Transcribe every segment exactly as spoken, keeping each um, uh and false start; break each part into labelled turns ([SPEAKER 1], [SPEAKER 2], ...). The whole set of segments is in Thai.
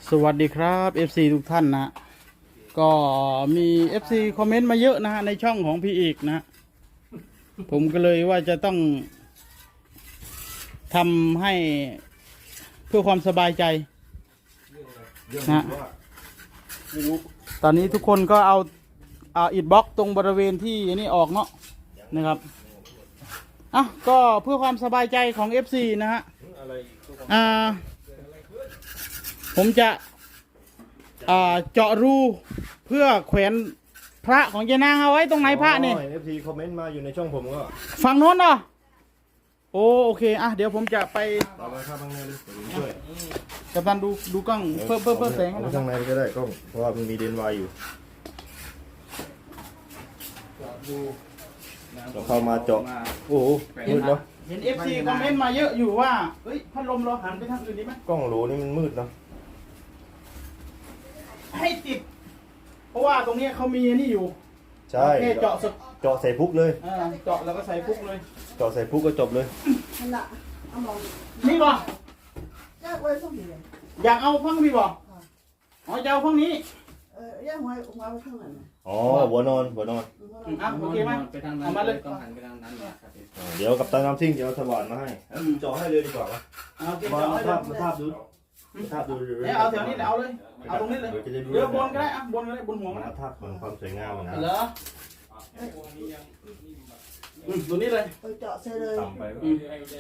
[SPEAKER 1] สวัสดีครับ เอฟ ซี ทุกท่านนะก็มี เอฟ ซี คอมเมนต์มาเยอะนะฮะในช่องของพี่อีกนะผมก็เลยว่าจะต้องทำให้เพื่อความสบายใจนะตอนนี้ทุกคนก็เอาเอาอิฐบล็อกตรงบริเวณที่นี่ออกเนาะนะครับอ่ะก็เพื่อความสบายใจของ เอฟ ซี นะฮะอ่าผมจะอ่าเจาะรูเพื่อแขวนพระของยายนางเอาไว้ตรงไหนพระนี่
[SPEAKER 2] เอฟซีคอมเมนต์มาอยู่ในช่องผมก็
[SPEAKER 1] ฝั่งโน้นเหรอโอ้โอเคอ่ะเดี๋ยวผมจะไป
[SPEAKER 2] ต่อไปครับข้างในเลยเดี๋ยวผมช่วย
[SPEAKER 1] กัปตันดูดูกล้องเพิ่มเพิ่มเพิ่มแสงให้หน่อย
[SPEAKER 2] ข้างในก็ได้กล้องเพราะว่ามันมีเดนไวอยู่เราเข้ามาเจาะโอ้โหมืดเนาะ
[SPEAKER 1] เห็น เอฟ ซี คอมเมนต์มาเยอะอยู่ว่าเฮ้ยพัดลมเราหันไปทางอื่นดีไหม
[SPEAKER 2] กล้องโหลนี่มันมืดเนาะ
[SPEAKER 1] ให้ติดเพราะว่าตรงนี้เขามีนี่อยู่
[SPEAKER 2] ใช่
[SPEAKER 1] แค่เจาะสุด
[SPEAKER 2] เจาะใส่พุกเลย
[SPEAKER 1] เออเจาะแล้วก็ใส่พุกเลย
[SPEAKER 2] เจาะใส่พุกก็จบเลย
[SPEAKER 3] นั่นแหละเอามอง
[SPEAKER 1] นี่บ่
[SPEAKER 3] แยกไว้ตรงนี้เลย
[SPEAKER 1] อยากเอาฟังพี่บ่อ๋อจะเอาฟังนี้
[SPEAKER 3] เออแยกไว้หัวไว้ข้างหลังนะ
[SPEAKER 2] อ๋อหัวนอนหัวนอน
[SPEAKER 1] อืมอ่ะโอเคไหม
[SPEAKER 4] ไปทางนั้น
[SPEAKER 1] เอามาเลย
[SPEAKER 4] ต้องหันไปทางนั้นครับ
[SPEAKER 2] อ่าเดี๋ยวกับตาน้ำซิ่งจะเอาสว่านมาให้เจาะให้เลยดีกว่าปะ
[SPEAKER 1] เอาโอเค
[SPEAKER 2] มา
[SPEAKER 1] เจาะ
[SPEAKER 2] มา
[SPEAKER 1] ให้เล
[SPEAKER 2] ทาย บมาทาบดูมาทาบดู
[SPEAKER 1] เนี่ยเอาแถวนี้เอาเลยเอาตรงนี้เลย
[SPEAKER 2] ดี๋วจะได้รู้
[SPEAKER 1] เดี๋ยวบนก็ได้อ่ะบนก็ได้บนหัวมัน
[SPEAKER 2] มา
[SPEAKER 1] นะ
[SPEAKER 2] ทาบของความสวยงามนะ
[SPEAKER 1] เหรออืมตัวนี้เลย
[SPEAKER 3] เออเจาะใส่เลย
[SPEAKER 2] ต่ำไป
[SPEAKER 1] อืม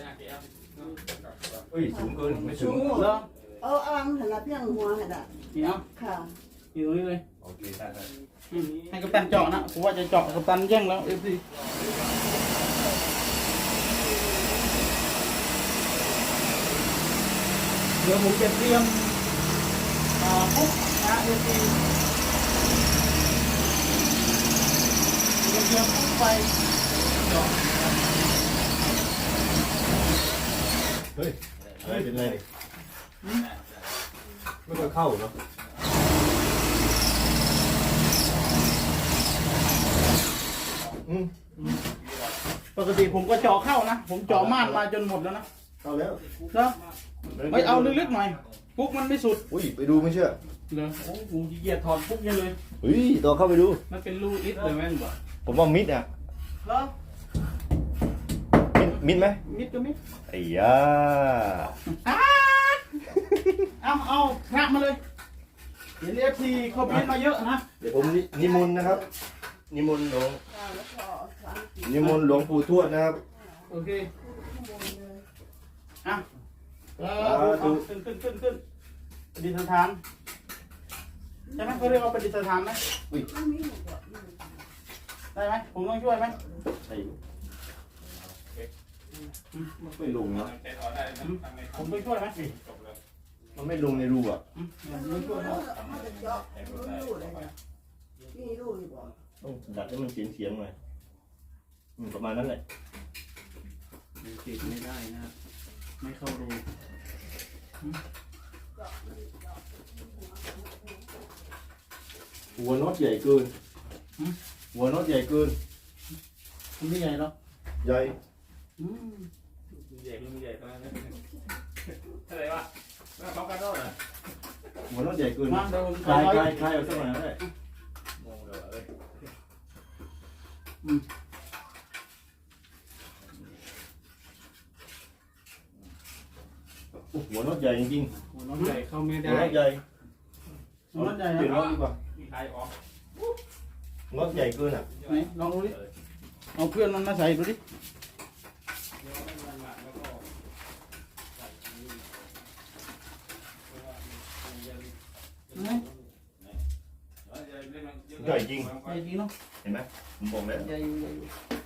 [SPEAKER 2] เฮ้ยสูงเกินไม่สูง
[SPEAKER 1] เหรอ
[SPEAKER 3] เอาอ่างหันละเพียงหัวหันละ
[SPEAKER 1] นี่เอา
[SPEAKER 3] ค่ะ
[SPEAKER 1] อยู่ตรงนี้เลย
[SPEAKER 2] โอเคได้ได้
[SPEAKER 1] อืมให้กัปตันเจาะนะผมว่าจะเจาะกัปตันแย่งแล้วเอฟซีเดี๋ยวผมจะเตรียมอ่าปุ๊บนะเอฟซีเตรียมปุ๊บไปเจาะ
[SPEAKER 2] เฮ้ยอะไรเป็นไรไม่ค่อยเข้าเนาะอืม
[SPEAKER 1] ปกติผมก็เจาะเข้านะผมเจาะม่านมาจนหมดแล้วนะ
[SPEAKER 2] เข้าแล้ว
[SPEAKER 1] เนาะไม่เอาลึกๆหน่อยปุ๊บมันไม่สุด
[SPEAKER 2] อุ้ยไปดูไม่เชื่อ
[SPEAKER 1] เหรอโอ้โหขี้เกียจถอดปุ๊บยังเลย
[SPEAKER 2] เฮ้ยต่อเข้าไปดู
[SPEAKER 1] มันเป็นรูอิฐเลยแม่งบ่
[SPEAKER 2] ผมว่ามิดอ่ะ
[SPEAKER 1] เหรอ
[SPEAKER 2] มิดมิดไหม
[SPEAKER 1] มิดก็มิด
[SPEAKER 2] ไอ้ยา
[SPEAKER 1] เอาเอาพระมาเลยเห็นเอฟซีเขาพิมพ์มาเยอะนะ
[SPEAKER 2] เดี๋ยวผมนินิมนต์นะครับ นิมนต์หลวง
[SPEAKER 3] ค่ะแล้วก็สามสิบ
[SPEAKER 2] นิมนต์หลวงปู่ทวดนะครับ
[SPEAKER 1] โอเค
[SPEAKER 3] ข้างบนเลย
[SPEAKER 1] อ่ะเออเอาขึ้นขึ้นขึ้นขึ้นประดิษฐานใช่ไหมเขาเรียกว่าประดิษฐานไหม
[SPEAKER 3] ไม่มีหัวเจาะไม่มี
[SPEAKER 1] ได้ไหมผมต้องช่วยไหม
[SPEAKER 2] ใช่ไม่ลงเนาะ
[SPEAKER 1] ผมต้องช่วยไหม
[SPEAKER 2] มันไม่ลงในรูอ่ะ
[SPEAKER 1] อืมผมต้องช่วย
[SPEAKER 3] แล้
[SPEAKER 1] นะ
[SPEAKER 3] วมันจะเจาะไม่รู้เลยค่ะนี่รู้อยู่บ่
[SPEAKER 2] ต้องดัดให้มันเสียงเสียงหน่อยอืมประมาณนั้นแหละ
[SPEAKER 4] ติดไม่ได้นะครับ ไม่เข้ารู
[SPEAKER 2] หัวน็อตใหญ่เกินหัวน็อตใหญ่เกิน
[SPEAKER 1] มันไม่ใหญ่หรอก
[SPEAKER 2] ใหญ่
[SPEAKER 1] อืม
[SPEAKER 4] ใหญ่ใหญ่ตอนนั้นอะไรวะเขากันด้วยเหรอ
[SPEAKER 2] หัวน็อตใหญ่เกิน
[SPEAKER 1] มาเดี๋ยวผม
[SPEAKER 2] คลาย
[SPEAKER 1] ถ
[SPEAKER 2] ค
[SPEAKER 1] อ
[SPEAKER 2] ลาย ยคลายเอาสักหน่อยก็ได้
[SPEAKER 4] งงเลยเอ้ย
[SPEAKER 2] โอ้หัวน็อตใหญ่จริง
[SPEAKER 4] หัวน้องใหญ่เข้าไม่
[SPEAKER 2] ๆหั
[SPEAKER 4] ได้
[SPEAKER 2] วน็อตใหญ่
[SPEAKER 1] มันรถใหญ่
[SPEAKER 2] เปลี่ยน
[SPEAKER 1] นะ
[SPEAKER 2] น็อตดีกว่า
[SPEAKER 4] มีใครออก
[SPEAKER 2] น็อตใหญ่เกินอ่ะ
[SPEAKER 1] ไหนลองดูดิเอาเพื่อนมันมาใส่ดูดิไหน
[SPEAKER 2] ใหญ่จริง
[SPEAKER 1] ใหญ่จริงเนาะ
[SPEAKER 2] เห็นไหมผมบอกแล้ว
[SPEAKER 1] ใหญ่อยู่ใหญ่อยู่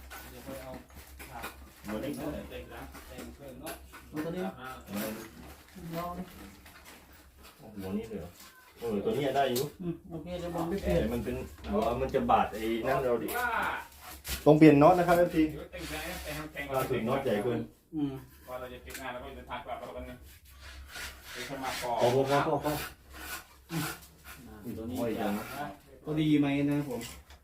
[SPEAKER 2] หัวเล็กนะ
[SPEAKER 1] เอาตัวนี้ลองดิ
[SPEAKER 2] หัวนี้เลยเหรอเออตัวนี้ได้อยู่
[SPEAKER 1] อืมโอเคเดี๋ยวผมไปเป
[SPEAKER 2] แต่
[SPEAKER 1] ลี่ยน
[SPEAKER 2] มันเป็นหัวมันจะบาดไอ้นั่นเราดิต้องเปลี่ยนน็อตนะครับเอฟซีล่าสุดน็อตใหญ่เกิน
[SPEAKER 1] อืม
[SPEAKER 4] ว่าเราจะปิดงานแล้วก็เดินทางกลับแล้วกันเนี่ยเป็นสมัครก่อ
[SPEAKER 2] พอพอพอพอพอ
[SPEAKER 4] ตัวนี้
[SPEAKER 2] ห้อยจังนะ
[SPEAKER 4] ก็ดีไหมนะผม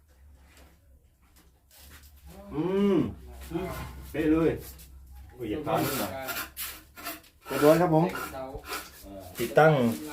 [SPEAKER 2] อืมเป๊ะเลยโอ้ยอย่าพลาดนิดหน่อยเรียบร้อยครับผมติดตั้ง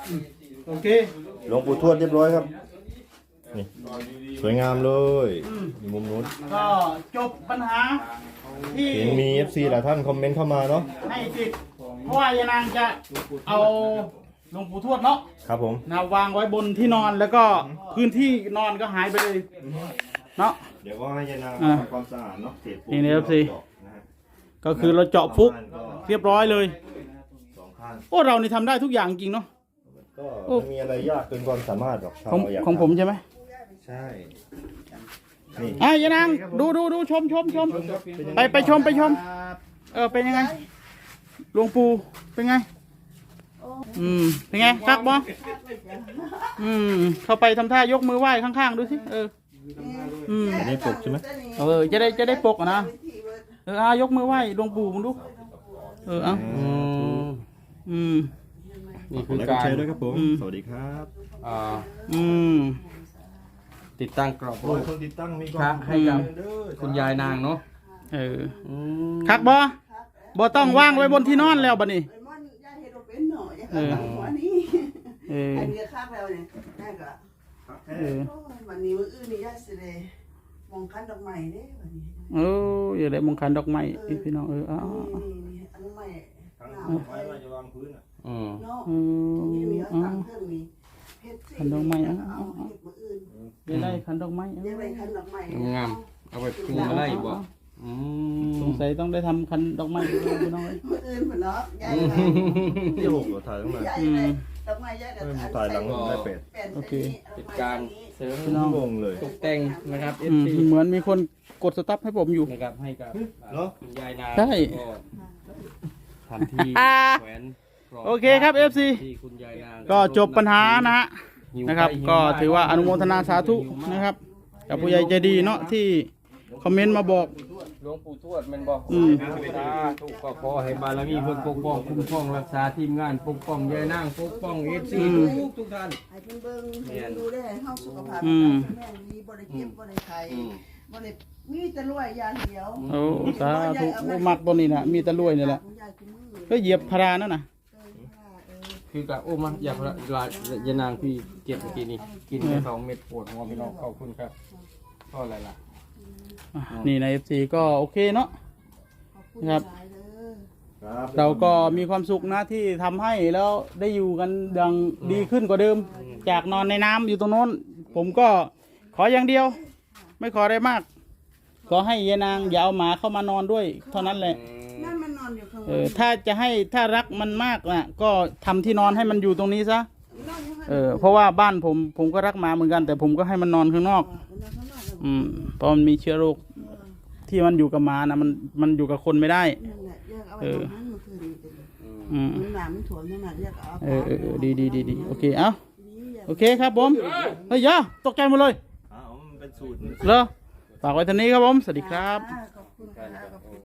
[SPEAKER 1] โอเค
[SPEAKER 2] หลวงปู่ทวดเรียบร้อยครับนี่สวยงามเลยอยู่มุมนู้น
[SPEAKER 1] ก็จบปัญหาที่
[SPEAKER 2] เห็นมี เอฟ ซี หลายท่านคอมเมนต์เข้ามาเนาะ
[SPEAKER 1] ให้ติดเพราะว่ายายนางจะเอาหลวงปู่ทวดเนาะ
[SPEAKER 2] ครับผม
[SPEAKER 1] นะวางไว้บนที่นอนแล้วก็พื้นที่นอนก็หายไปเลยเนาะ
[SPEAKER 2] เดี๋ยวก็ให้ยายนาง
[SPEAKER 1] อ่า
[SPEAKER 2] ทำความสะอาดเนาะเศษปู
[SPEAKER 1] นี่นะครับสิ
[SPEAKER 2] เจาะนะฮะ
[SPEAKER 1] ก็คือเราเจาะฟุกเรียบร้อยเลย
[SPEAKER 2] สองข้าง
[SPEAKER 1] โอ้เรานี่ทำได้ทุกอย่างจริงเนาะ
[SPEAKER 2] ก็
[SPEAKER 1] โอ้
[SPEAKER 2] ไม่มีอะไรยากเกินความสามารถหรอกถ้า
[SPEAKER 1] ของ
[SPEAKER 2] เราอยาก
[SPEAKER 1] ของผมใช่ไหม
[SPEAKER 2] ใช่นี่
[SPEAKER 1] อ่ะยายนางดูดูดูชมชมชมไปไปชมไปชม เออเป็นยังไงหลวงปู่เป็นไง อืมเป็นไงครับบออืมเข้าไปทำท่ายกมือไหว้ข้างๆดูสิเอออืม
[SPEAKER 2] อันนี้ปกใช่ไหม
[SPEAKER 1] เออจะได้จะได้ปกอะนะเอออายกมือไหว้หลวงปู่มึงดูเออเอาอืม
[SPEAKER 5] นี่
[SPEAKER 2] ข
[SPEAKER 5] คือ อ
[SPEAKER 2] การ
[SPEAKER 5] การ
[SPEAKER 2] ใช้ด้วยครับผม
[SPEAKER 1] อืม
[SPEAKER 2] สวัสดีครับ
[SPEAKER 5] อ่า
[SPEAKER 1] อืม
[SPEAKER 5] ติดตั้งกรอบ
[SPEAKER 2] โอ้ยคนติดตั้งมี
[SPEAKER 5] พระให้กับ
[SPEAKER 2] เด้อ
[SPEAKER 5] คุณยายนางเนาะ
[SPEAKER 1] เออ
[SPEAKER 5] อืม
[SPEAKER 1] คักบอบอต้องว่างไว้บนที่นอนแล้วบัดนี้
[SPEAKER 3] ไอ้มันยายเฮ็ดบ่เป็นเนาะยาย
[SPEAKER 1] เออ
[SPEAKER 3] ก็หัวนี้
[SPEAKER 1] เออ
[SPEAKER 3] อันนี้คักแล้วเนี่ยยายก็
[SPEAKER 1] เออ
[SPEAKER 3] โอ้ยวันนี้มื้ออื่นนี่ยายสิได้มองคันดอกไม้เด้วันนี้
[SPEAKER 1] เอออย่าได้มงคันดอกไม้อีพี่น้องเออเอา
[SPEAKER 3] นี่
[SPEAKER 1] เอา
[SPEAKER 3] นี่นี่อันดอกไม้
[SPEAKER 2] ทั้ง
[SPEAKER 3] งาม
[SPEAKER 2] ไว้ว่าจะวางพื้นอ่ะ
[SPEAKER 5] อืม
[SPEAKER 3] เนาะ
[SPEAKER 1] เออ
[SPEAKER 3] นี่มี
[SPEAKER 1] เอา
[SPEAKER 3] ตั้งเครื่องนี้เฮ็ดสิ
[SPEAKER 1] คันดอกไม้เอา
[SPEAKER 3] เอาเฮ็ดมื้ออื่น
[SPEAKER 1] อย่าได้คันดอกไม้เอา
[SPEAKER 3] ยายไปคันดอกไม้
[SPEAKER 5] งามเอาไปปรุงมาไล่บ่อืม
[SPEAKER 1] สงสัยต้องได้ทำคันดอกไม้ด้วยพี่น้องเอ้ย
[SPEAKER 3] มื้ออื่นพุ่นเนาะยาย
[SPEAKER 2] เดี๋ยวผมก็ถ่ายตั้งนาน
[SPEAKER 3] ยายได้ดอกไม้ยายก็
[SPEAKER 2] เออถ่ายหลังได้เป็ด
[SPEAKER 1] โอเค
[SPEAKER 5] เป็นการเสริม
[SPEAKER 1] พี่น้อง
[SPEAKER 2] งงเลย
[SPEAKER 5] ตกแต่งนะครับ
[SPEAKER 1] อื
[SPEAKER 5] เอฟ
[SPEAKER 1] ม
[SPEAKER 5] ซี
[SPEAKER 1] เหมือนมีคนกดสต็อปให้ผมอยู่
[SPEAKER 5] นะครับให้กับ
[SPEAKER 2] เนอะ
[SPEAKER 5] คุณยายนาง
[SPEAKER 1] ใช่
[SPEAKER 5] ก็ทำที่
[SPEAKER 1] อ่า
[SPEAKER 5] แขวนกบ
[SPEAKER 1] โอเคครับ เอฟ ซี
[SPEAKER 5] ที่คุณยายนาง
[SPEAKER 1] ก็จบปัญหานะฮะ
[SPEAKER 5] หิว
[SPEAKER 1] นะครับ
[SPEAKER 5] ไปหิว
[SPEAKER 1] ก็
[SPEAKER 5] มา
[SPEAKER 1] ถือว่าอนุโมทนาสาธุนะครับกับผู้ใหญ่ใจดีเนาะที่คอมเมนต์มาบอก
[SPEAKER 5] หลวงปู่ทวดแมันบอก
[SPEAKER 1] อืม
[SPEAKER 5] สาธุก็ขอให้บารมีเพิ่นปกป้องคุ้มครองรักษาทีมงานปกป้องยายนางปกป้องเอฟซีทุกทุกท่าน
[SPEAKER 3] ให้เพิ่นเบิ่งให้เพิ่นดูได้ให้เฮาสุขภาพ
[SPEAKER 1] อืม
[SPEAKER 3] แม่ดีบ่ได้เจ็บบ่ได้ไข้
[SPEAKER 5] อืม
[SPEAKER 3] บ่ได้มีแต่รวยอย่างเดียว
[SPEAKER 1] โอ้สาธุโอ้มักตัวนี้นะมีแตะลวยนี่แหละ
[SPEAKER 3] ยายคือมือ
[SPEAKER 1] ก็เหยียบพารานั่นน่ะ
[SPEAKER 3] เออเออ
[SPEAKER 5] คือกะโอ้มาอยากละลายยานางพี่เก็บเมื่อกี้นี่กินไปสองเม็ดปวดหัวพี่น้องขอบคุณครับก็อะไรล่ะ
[SPEAKER 1] อ่ะนี่ใน เอฟ ซี ก็โอเคเนาะ
[SPEAKER 3] ขอบคุณ
[SPEAKER 1] ครับ
[SPEAKER 3] หลายเด้อ
[SPEAKER 2] ครับ
[SPEAKER 1] เราก็มีความสุขนะที่ทำให้แล้วได้อยู่กันดังดีขึ้นกว่าเดิม จากนอนในน้ำอยู่ตรงโน้น ผมก็ขออย่างเดียว ไม่ขออะไรมาก ขอให้ยายนางอย่าเอาหมาเข้ามานอนด้วย เท่านั้นแหละ
[SPEAKER 3] นั่นมันนอนอยู่ข้างบ
[SPEAKER 1] เออน ถ้าจะให้ถ้ารักมันมากนะก็ทำที่นอนให้มันอยู่ตรงนี้ซะ
[SPEAKER 3] นอนอยู่ข้าง
[SPEAKER 1] เออเพราะว่าบ้านผมผมก็รักหมาเหมือนกัน แต่ผมก็ให้มันนอนข้างนอก
[SPEAKER 3] นอนข้างนอก
[SPEAKER 1] อืมเพราะมันมีเชื้อโรคที่มันอยู่กับหมานะมันมันอยู่กับคนไม่ได้
[SPEAKER 3] นั่นแหละแยกเอาไว้ตรงนั้นเมื่อคืนนี้เป็น
[SPEAKER 1] อืม
[SPEAKER 3] มันหนามมันถ่วงนั่นน่ะแยกเอา
[SPEAKER 1] เออเออเออดีดีดีดีโอเคเอ้าโอเคครับผมเฮ้ยอยาตกใจหมดเลย
[SPEAKER 2] อ้าวมันเป็นสูตร
[SPEAKER 1] เหรอฝากไว้เท่านี้ครับผม สวัสดีครับ
[SPEAKER 3] ขอบคุณค่ะขอบคุณ